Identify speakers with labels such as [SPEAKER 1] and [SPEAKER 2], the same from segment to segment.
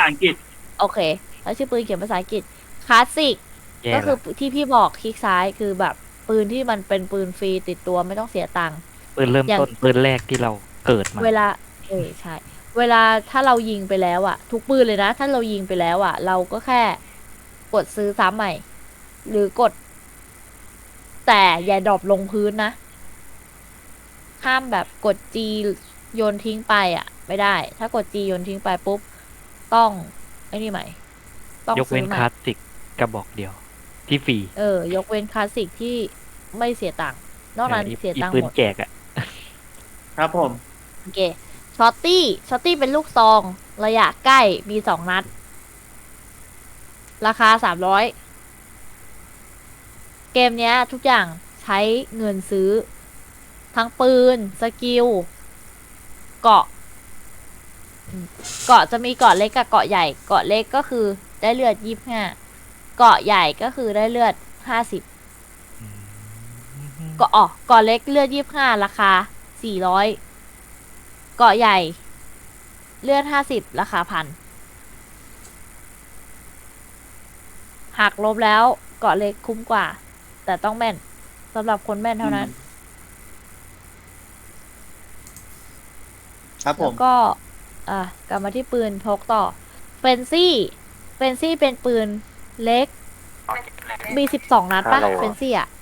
[SPEAKER 1] อังกฤษ
[SPEAKER 2] โอเคแล้วชื่อปืนเขียนภาษาอังกฤษคลาสสิก
[SPEAKER 3] แย่
[SPEAKER 2] ก็คือ
[SPEAKER 3] ละ
[SPEAKER 2] ที่พี่บอกคลิกซ้ายคือแบบปืนที่มันเป็นปืนฟรีติดตัวไม่ต้องเสียตังค์
[SPEAKER 3] ปืนเริ่ม
[SPEAKER 2] อย่าง
[SPEAKER 3] ต้นปืนแรกที่เราเกิดมา
[SPEAKER 2] เวลาใช่เวลาถ้าเรายิงไปแล้วอะทุกปืนเลยนะถ้าเรายิงไปแล้วอะเราก็แค่กดซื้อซ้ำใหม่ หรือกด แต่อย่าดรอปลงพื้นนะห้ามแบบกด G โยนทิ้งไปอะไม่ได้ ถ้ากด G โยนทิ้งไปปุ๊บต้องไอ้นี่ใหม่ ต้อง
[SPEAKER 3] ยก
[SPEAKER 2] ซื้
[SPEAKER 3] เว้
[SPEAKER 2] อน ให
[SPEAKER 3] ค
[SPEAKER 2] ม่
[SPEAKER 3] ลาสสิกกระบอกเดียว ที่ฟรี
[SPEAKER 2] ยกเว้นคลาสสิกที่ไม่เสียตังค์นอกนั้นเสียตังค์
[SPEAKER 3] ปืน
[SPEAKER 2] หมด
[SPEAKER 3] แจกอ่ะ
[SPEAKER 1] ครับผม
[SPEAKER 2] โอเคช็อตตี้เป็นลูกซองระยะใกล้มี2 นัด ราคา300เกมเนี้ยทุกอย่างใช้เงินซื้อ ทั้งปืน สกิล เกาะเกาะจะมีเกาะเล็กกับเกาะใหญ่ เกาะเล็กก็คือได้เลือด25เกาะใหญ่ก็คือได้เลือด50เกาะเกาะเล็กเลือด25ราคา400เกาะใหญ่ เลือด50ราคา1,000หักลบแล้วเกาะเล็กคุ้มกว่า แต่ต้องแม่นสำหรับคนแม่นเท่านั้น
[SPEAKER 1] ครับผ
[SPEAKER 2] แล้ว
[SPEAKER 1] ม
[SPEAKER 2] ก็กลับมาที่ปืนพกต่อเฟนซี่เป็นปืนเล็ก มี12 นัดปะ
[SPEAKER 4] ฮัลโหล
[SPEAKER 2] เฟนซี่อ่ะ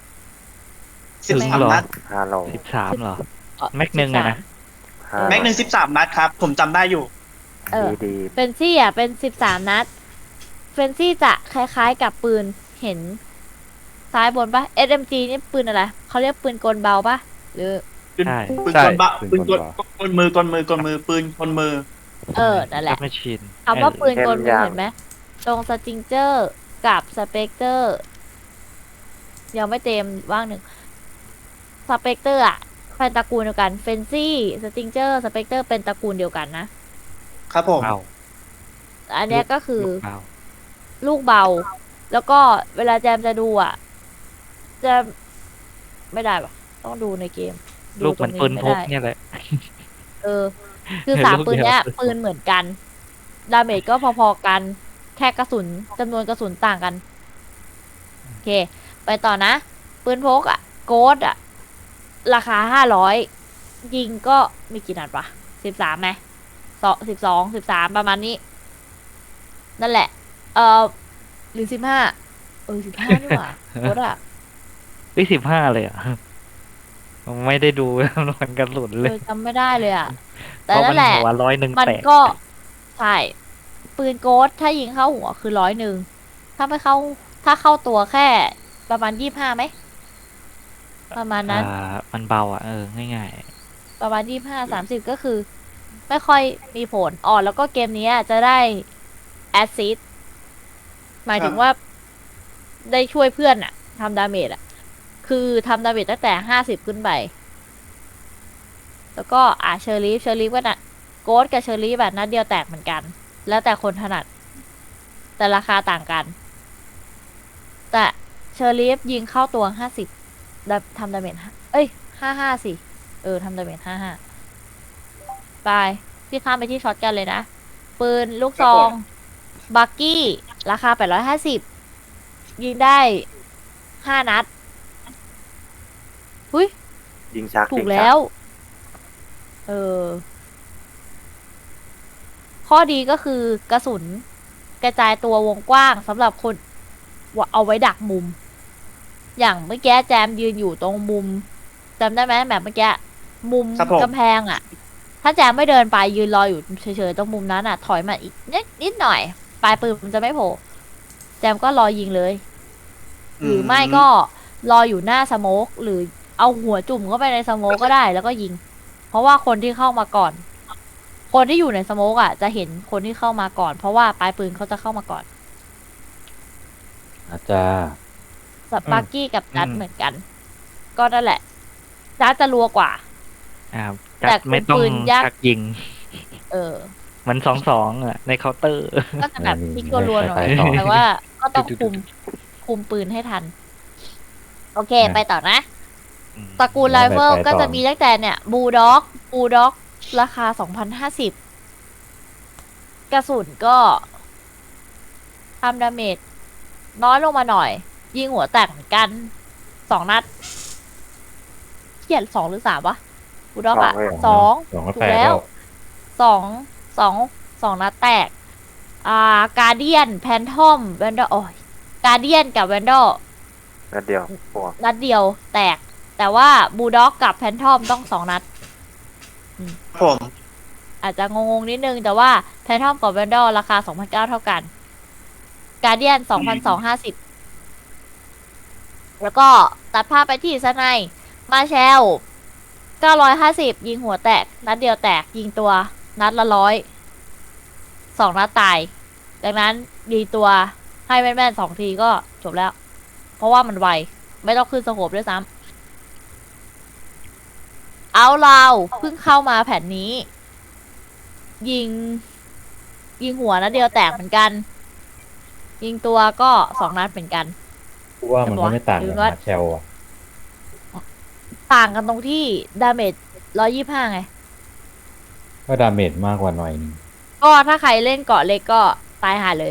[SPEAKER 1] 13 นัด
[SPEAKER 4] ฮัลโหล
[SPEAKER 3] 13เหรอ แม็กหนึ่งอะนะ
[SPEAKER 1] แม็กหนึ่ง13 นัดครับ ผมจำได้อยู่
[SPEAKER 4] ดี
[SPEAKER 2] เฟนซี่อ่ะเป็น13 นัด เฟนซี่จะคล้ายๆกับปืนเห็น ซ้ายบนปะ SMG นี่ปืนอะไรเขาเรียกปืนกลเบาปะหรือ
[SPEAKER 1] ปืน
[SPEAKER 3] ใช่
[SPEAKER 1] ปืน
[SPEAKER 4] ใช่
[SPEAKER 1] กลบะ
[SPEAKER 4] ปื
[SPEAKER 1] ปืน
[SPEAKER 4] น
[SPEAKER 1] ก
[SPEAKER 4] ก
[SPEAKER 1] ล
[SPEAKER 4] ล
[SPEAKER 1] กลมือกลมือกลมือปืนกลมือ
[SPEAKER 2] นั่นแหละ
[SPEAKER 3] แมชชีน
[SPEAKER 2] คำว่าปืนกลมือ
[SPEAKER 4] เข้มยัง
[SPEAKER 2] เห็นไหมตรงสติงเจอร์กับสเปกเตอร์ยังไม่เต็มว่างหนึ่งสเปกเตอร์อะเป็นตระกูลเดียวกันเฟนซี่สติงเจอร์สเปกเตอร์เป็นตระกูลเดียวกันนะครับ
[SPEAKER 1] ผม
[SPEAKER 3] เบา
[SPEAKER 2] อันเนี้ยก็คือ
[SPEAKER 3] ลูกเบา
[SPEAKER 2] ลูกเบา แล้วก็เวลาแจมจะดูอ่ะ จะไม่ได้ปะต้องดูในเกมดู
[SPEAKER 3] ลูกเหมือน
[SPEAKER 2] ตรง
[SPEAKER 3] ปืน
[SPEAKER 2] ไม่
[SPEAKER 3] พก
[SPEAKER 2] ได้
[SPEAKER 3] เนี่ยแหละ
[SPEAKER 2] คือสาม
[SPEAKER 3] ลูก
[SPEAKER 2] ปืน
[SPEAKER 3] เดียว
[SPEAKER 2] เนี้ยปืนเหมือนกัน ดาเมจก็พอๆกัน แค่กระสุนจำนวนกระสุนต่างกัน โอเค ไปต่อนะ ปืนพกอ่ะ โกดอ่ะ ราคา500 ยิงก็มีกี่นัดปะ13ไหม12 13ประมาณนี้ นั่นแหละ หรือ1515นี่หว่าโคตรอ่ะ
[SPEAKER 3] 15เลยอ่ะ ไม่ได้ดูจำนวนกระสุนเลย
[SPEAKER 2] จำไม่ได้เลยอ่ะ แต่
[SPEAKER 3] เพราะ
[SPEAKER 2] นั่
[SPEAKER 3] มัน
[SPEAKER 2] นแหละ
[SPEAKER 3] หัว100
[SPEAKER 2] มัน
[SPEAKER 3] แตก
[SPEAKER 2] ก็ใช่ปืนโกดถ้ายิงเข้าหัวคือ100ถ้าไม่เข้า ถ้าเข้าตัวแค่ประมาณ25ไหม ประมาณนั้น
[SPEAKER 3] มันเบาอ่ะง่าย
[SPEAKER 2] ประมาณ25-30ก็คือ ไม่ค่อยมีผลแล้วก็เกมนี้จะได้แอซซิสหมายถึงว่าได้ช่วยเพื่อนอะทำดาเมจอะคือทำดาเมจตั้งแต่50ขึ้นไป แล้วก็เชอร์ลีฟก็นะโกดกับเชอร์ลีฟแบบนัดเดียวแตกเหมือนกัน แล้วแต่คนถนัด แต่ราคาต่างกัน แต่เชอร์ลีฟยิงเข้าตัว50ทำดาเมจ55สิทำดาเมจ55ไปพี่ข้ามไปที่ช็อตกันเลยนะ ปืนลูกซอง บักกี้ ราคา850ยิงได้5 นัดหุ้ย
[SPEAKER 4] ๆยิงชัก
[SPEAKER 2] ถู
[SPEAKER 4] ยิ
[SPEAKER 2] ก
[SPEAKER 4] งชั
[SPEAKER 2] แล้ว ข้อดีก็คือกระสุนกระจายตัววงกว้างสำหรับคนเอาไว้ดักมุม อย่างเมื่อกี้แจมยืนอยู่ตรงมุมจำได้ไหมแบบเมื่อกี้มุม
[SPEAKER 1] ครับผม
[SPEAKER 2] กำแพงอ่ะ ถ้าแจมไม่เดินไปยืนรออยู่เฉยๆตรงมุมนั้นอ่ะ ถอยมาอีกนิดหน่อย ปลายปืนมันจะไม่โผล่แจมก็รอยิงเลย หรือไม่ก็รออยู่หน้าสโมกหรือเอาหัวจุ่มเข้าไปในสโมกก็ได้แล้วก็ยิง เพราะว่าคนที่เข้ามาก่อน คนที่อยู่ในสโมกอ่ะจะเห็นคนที่เข้ามาก่อน เพราะว่าปลายปืนเขาจะเข้ามาก่อน
[SPEAKER 4] อาจารย์
[SPEAKER 2] สปาร์กี้กับจัดเหมือนกัน ก็นั่นแหละจัดจะรัวกว่า
[SPEAKER 3] จัดไม่ต้อง
[SPEAKER 2] ปืนยักษ์
[SPEAKER 3] ชักยิง
[SPEAKER 2] เออ
[SPEAKER 3] เหมือน2-2อ่ะ ในเคาน์เตอร์
[SPEAKER 2] ก็จะแบบพลิกรัวๆหน่อย แต่ว่าก็ต้องคุมปืนให้ทัน โอเค ไปต่อนะ ตระกูลไรเฟิลก็จะมีตั้งแต่เนี่ยบูลด็อกราคา2,050 กระสุนก็ทำดาเมจน้อยลงมาหน่อย ยิงหัวแตกเหมือนกัน2 นัดเขียน2 หรือ 3วะกูดอกอะ
[SPEAKER 4] สอง
[SPEAKER 2] 2
[SPEAKER 5] สองก็
[SPEAKER 2] ถู
[SPEAKER 5] แต
[SPEAKER 2] ก
[SPEAKER 5] ก
[SPEAKER 2] แล้
[SPEAKER 5] แล้ว ว
[SPEAKER 2] 2 นัดแตกการเดียนแพนทอมแวนดอลโอ้ยการเดียนกับแวนดอล
[SPEAKER 4] นัดเดียวหัว
[SPEAKER 2] นัดเดียวแตก แต่ว่าบูลด็อกกับแพนทอมต้อง2 นัด
[SPEAKER 1] ผม
[SPEAKER 2] อาจจะงงๆนิดนึง แต่ว่าแพนทอมกับแวนดอลราคา 2,900 เท่ากัน การเดียน 2,250 แล้วก็ตัดภาพไปที่สไนป์มาแชล 950 ยิงหัวแตก นัดเดียวแตก ยิงตัว นัดละ100 2 นัดตาย ดังนั้นยิงตัวให้แม่นๆ2 ทีก็จบแล้ว เพราะว่ามันไว ไม่ต้องขึ้นสโคปด้วยซ้ำเอาเราเพิ่งเข้ามาแผ่นนี้ ยิงหัวนัดเดียวแตกเหมือนกัน ยิงตัวก็2 นัดเหมือนกัน
[SPEAKER 5] กูว่ามันก็ไม่ต่าง
[SPEAKER 2] ดู
[SPEAKER 5] กับ
[SPEAKER 2] ว่า
[SPEAKER 5] มาเชลอ่ะ
[SPEAKER 2] ต่างกันตรงที่ดาเมจ125ไง
[SPEAKER 5] ก็ดาเมจมากกว่าหน่อยนึง
[SPEAKER 2] ก็ถ้าใครเล่นเกาะเล็กก็ตายหาเลย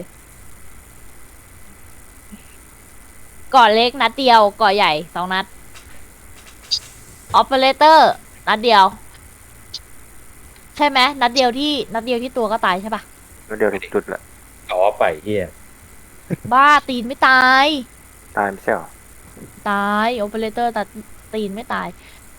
[SPEAKER 2] เกาะเล็กนัดเดียว เกาะใหญ่2 นัด ออปเปอเรเตอร์นัดเดียว ใช่ไหมนัดเดียวที่ตัวก็ตายใช่ปะ
[SPEAKER 4] นัดเดียวทุกจุดแหละ
[SPEAKER 5] ต่อไปเฮีย
[SPEAKER 2] บ้าตีนไม่ตาย
[SPEAKER 4] ตายไม่ใช่เหรอ
[SPEAKER 2] ตายโอเปอเรเตอร์ตัดตีนไม่ตาย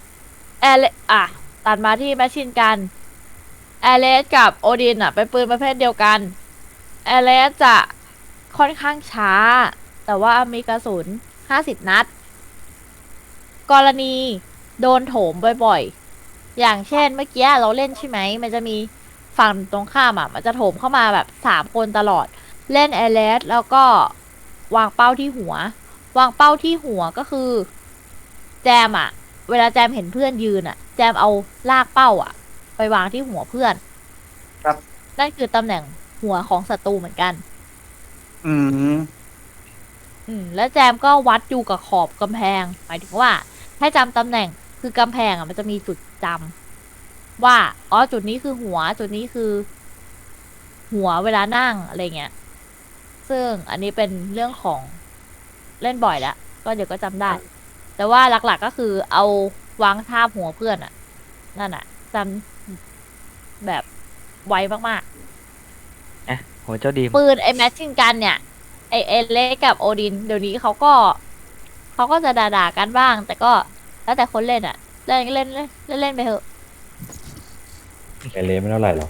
[SPEAKER 2] ตัดมาที่แมชชีนกันแอเลสกับโอดินเป็นปืนประเภทเดียวกันแอเลสจะค่อนข้างช้า แต่ว่ามีกระสุน50 นัด กรณีโดนโถมบ่อยๆ อย่างเช่นเมื่อกี้เราเล่นใช่ไหม มันจะมีฝั่งตรงข้ามมันจะโถมเข้ามาแบบ3 คนตลอด เล่นแอเลสแล้วก็วางเป้าที่หัว วางเป้าที่หัวก็คือ แจมเวลาแจมเห็นเพื่อนยืนแจมเอาลากเป้าไปวางที่หัวเพื่อน
[SPEAKER 1] ครับ
[SPEAKER 2] นั่นคือตำแหน่งหัวของศัตรูเหมือนกัน
[SPEAKER 1] อืม
[SPEAKER 2] แล้วแจมก็วัดอยู่กับขอบกำแพง หมายถึงว่าให้จำตำแหน่งคือกำแพงมันจะมีจุดจำว่าอ๋อจุดนี้คือหัว จุดนี้คือ หัวเวลานั่งอะไรเงี้ย ซึ่งอันนี้เป็นเรื่องของเล่นบ่อยแล้วก็เดี๋ยวก็จำได้ แต่ว่าหลักๆก็คือเอาวางทาบหัวเพื่อนนั่นจำแบบไวมาก
[SPEAKER 3] หัวเจ้าดีม
[SPEAKER 2] ๆปืนไอ้แมชชินกันเนี่ยไอเล็กกับโอดิน เดี๋ยวนี้เขาก็จะด่าๆกันบ้าง แต่ก็แล้วแต่คนเล่นเล่นเล่นเล่นเล่นเล่นไปเถอะ
[SPEAKER 5] ไอเลไม่เท่าไหร่หรอก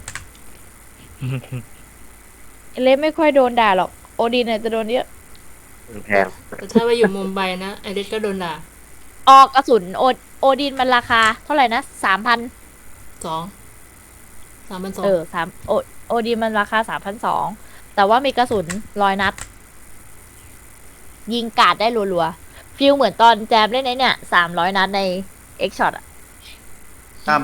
[SPEAKER 2] ไอเล็กไม่ค่อยโดนด่าหรอกโอดินจะโดนเยอะ
[SPEAKER 4] แพง
[SPEAKER 6] แต่ถ้าไปอยู่มุมไบนะไอเดสก็โดนด่า
[SPEAKER 2] ออกกระสุนโอดินมันราคาเท่าไหร่นะ3,000
[SPEAKER 6] 3,200
[SPEAKER 2] โอดีมันราคา 3,200 แต่ว่ามีกระสุน100 นัด ยิงกาดได้รัวๆฟิลเหมือนตอนแจมเล่นไอ้เนี่ย300 นัดใน X Shot
[SPEAKER 1] ครับ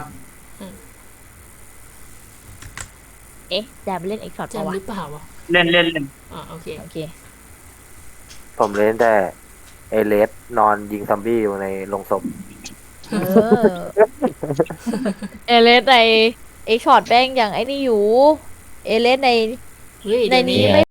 [SPEAKER 2] แจมเล่น X Shot
[SPEAKER 6] แจ
[SPEAKER 2] ปะ
[SPEAKER 6] ม
[SPEAKER 2] วะ
[SPEAKER 6] หรือเปล่าวะ
[SPEAKER 1] เล่นเล่นเล่น
[SPEAKER 6] โอเค
[SPEAKER 2] โอเค
[SPEAKER 4] ผมเล่นแต่เอเลสนอนยิงซอมบี้อยู่ในโรงศพ
[SPEAKER 2] เออ เอเลสใน X Shot แป้งอย่างไอ้นี่อยู่ เอเลสใน
[SPEAKER 6] เฮ้ย
[SPEAKER 2] ใน
[SPEAKER 6] เดี๋ยว
[SPEAKER 2] นี้
[SPEAKER 6] นี้
[SPEAKER 2] ไม่